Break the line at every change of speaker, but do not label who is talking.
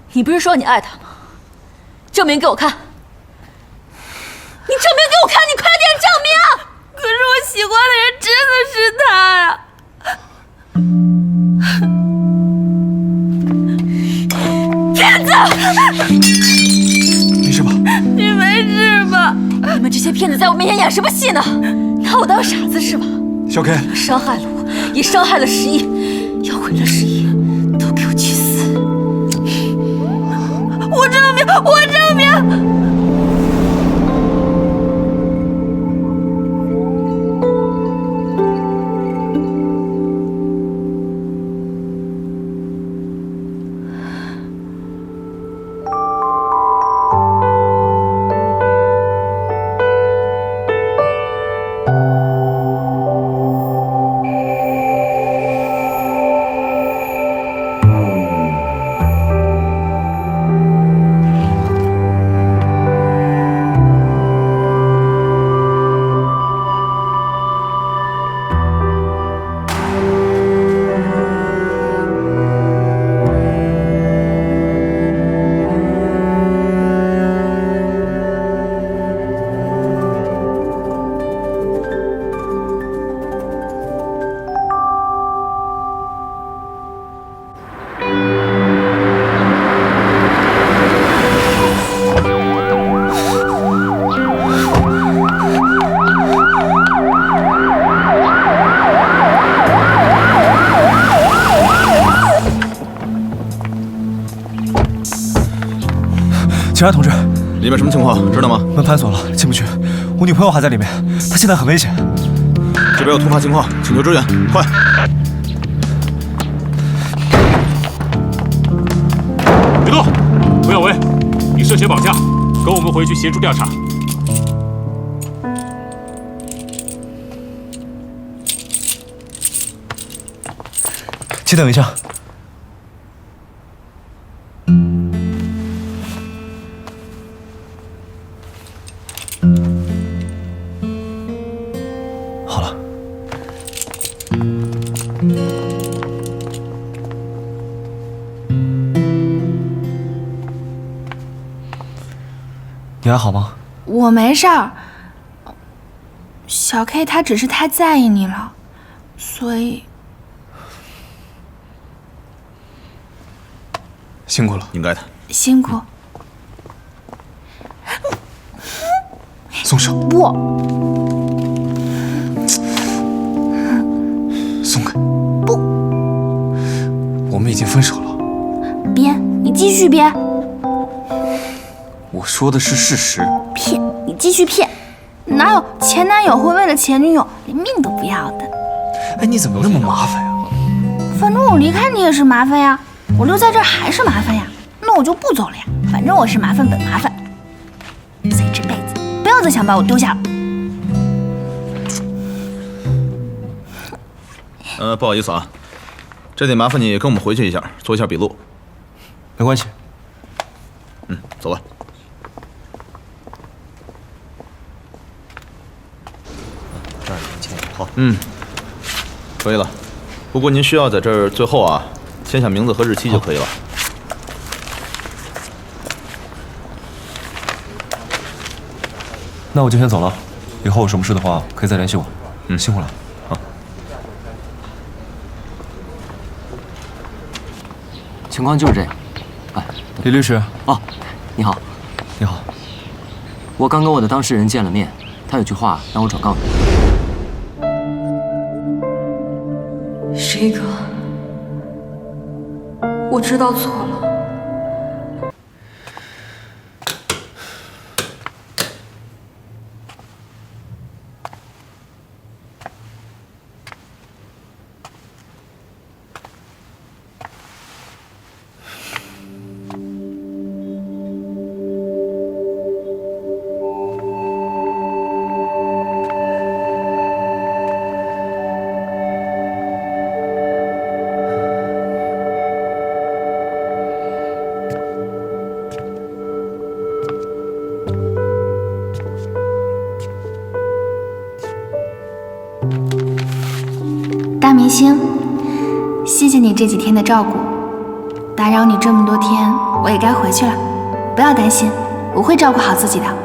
你不是说你爱他吗？证明给我看！你证明给我看！你快点证明！
可是我喜欢的人真的是他呀！骗子！
没事吧？
你没事吧？
你们这些骗子在我面前演什么戏呢？拿我当傻子是吧？
小 K，
伤害了我，也伤害了十一，要毁了十一，都给我去死！
我证明，我证明。
警察同志，
里面什么情况？知道吗？
门反锁了，进不去。我女朋友还在里面，她现在很危险。
这边有突发情况，请求支援，快！
别动！涂耀文，你涉嫌绑架，跟我们回去协助调查。
请等一下。好了。你还好吗？
我没事儿。小 K 他只是太在意你了，所以
辛苦了，
应该的。
辛苦。
松手！
不，
松开！
不，
我们已经分手了。
编，你继续编。
我说的是事实。
骗，你继续骗。哪有前男友会为了前女友连命都不要的？
哎，你怎么那么麻烦呀？
反正我离开你也是麻烦呀，我留在这儿还是麻烦呀，那我就不走了呀。反正我是麻烦本麻烦，所以这辈子不要再想把我丢下了。
不好意思啊，这得麻烦你跟我们回去一下，做一下笔录。
没关系。
走吧。
这儿签好。
可以了。不过您需要在这儿最后啊签下名字和日期就可以了。
那我就先走了，以后有什么事的话可以再联系我。辛苦了。
情况就是这样。哎，
李律师。
哦，你好。
你好。
我刚跟我的当事人见了面，他有句话让我转告你。
十一哥，我知道错了。
大明星，谢谢你这几天的照顾， 打扰你这么多天，我也该回去了。不要担心，我会照顾好自己的。